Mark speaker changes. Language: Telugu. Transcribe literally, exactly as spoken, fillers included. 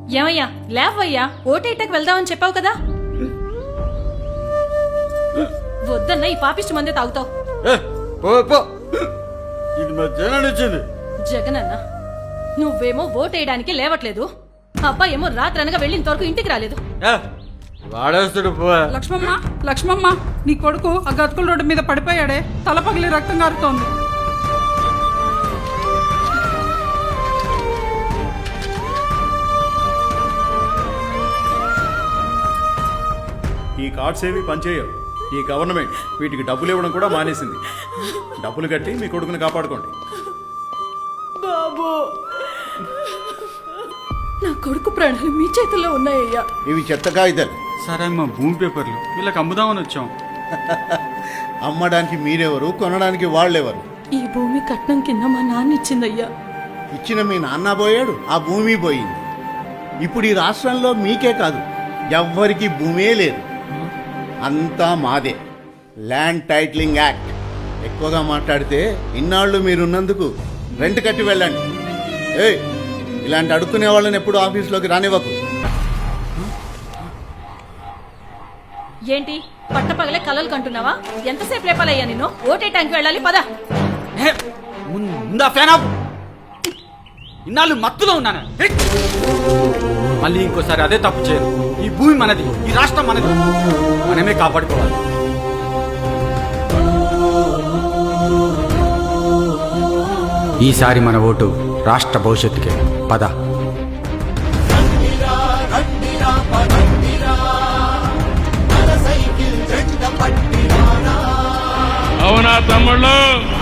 Speaker 1: ఏమయ్యా లేవయ్యా, ఓటేటకు వెళ్దామని చెప్పావు కదా. వద్దన్నా ఈ పాపిష్టి మందే తాగుతావు. జగనన్న నువ్వేమో ఓటేయడానికి లేవట్లేదు, అబ్బాయి ఏమో రాత్రి అనగా వెళ్ళిన వరకు ఇంటికి రాలేదు.
Speaker 2: లక్ష్మమ్మ లక్ష్మమ్మ నీ కొడుకు ఆ గతుకుల రోడ్డు మీద పడిపోయాడే, తల పగిలి రక్తం కారుతోంది.
Speaker 3: ఈ కార్డ్స్ ఏవి పనిచేయవు. ఈ గవర్నమెంట్ వీటికి డబ్బులు ఇవ్వడం కూడా మానేసింది. డబ్బులు కట్టి మీ కొడుకుని కాపాడుకోండి.
Speaker 1: బాబు, నా కొడుకు ప్రాణాలు మీ చేతుల్లో ఉన్నాయ్యా.
Speaker 4: ఇవి చెత్త కాగితాలు.
Speaker 5: సరే అమ్మా, భూమి పేపర్లు వీళ్ళకి అమ్ముదామని వచ్చాం.
Speaker 4: అమ్మడానికి మీరెవరు, కొనడానికి వాళ్ళెవరు?
Speaker 1: ఈ భూమి కట్నం కింద మా నాన్న ఇచ్చిందయ్యా.
Speaker 4: ఇచ్చిన మీ నాన్న పోయాడు, ఆ భూమి పోయింది. ఇప్పుడు ఈ రాష్ట్రంలో మీకే కాదు, ఎవ్వరికి భూమే లేదు, అంతా మాదే. Land titling act. ఎక్కువగా మాట్లాడితే ఇన్నాళ్ళు మీరున్నందుకు రెంట్ కట్టి వెళ్ళండి. ఏయ్, ఇలాంటి అడుక్కునే వాళ్ళని ఎప్పుడు ఆఫీస్లోకి రానివ్వకు.
Speaker 1: ఏంటి పట్టపగలే కలలు కంటున్నావా? ఎంతసేపు రేపాలయ్యా నిన్ను? ఓటేటానికి వెళ్ళాలి పద.
Speaker 5: ముందా ఫ్యాన్ ఆఫ్. ఇన్నాళ్ళు మత్తులో ఉన్నాను, మళ్ళీ ఇంకోసారి అదే తప్పు చేయను. ఈ భూమి మనది, ఈ రాష్ట్రం మనది, మనమే కాపాడుకోవాలి. ఈసారి మన ఓటు రాష్ట్ర భవిష్యత్తుకే. పద.
Speaker 6: అవునా తమ్ముళ్ళు?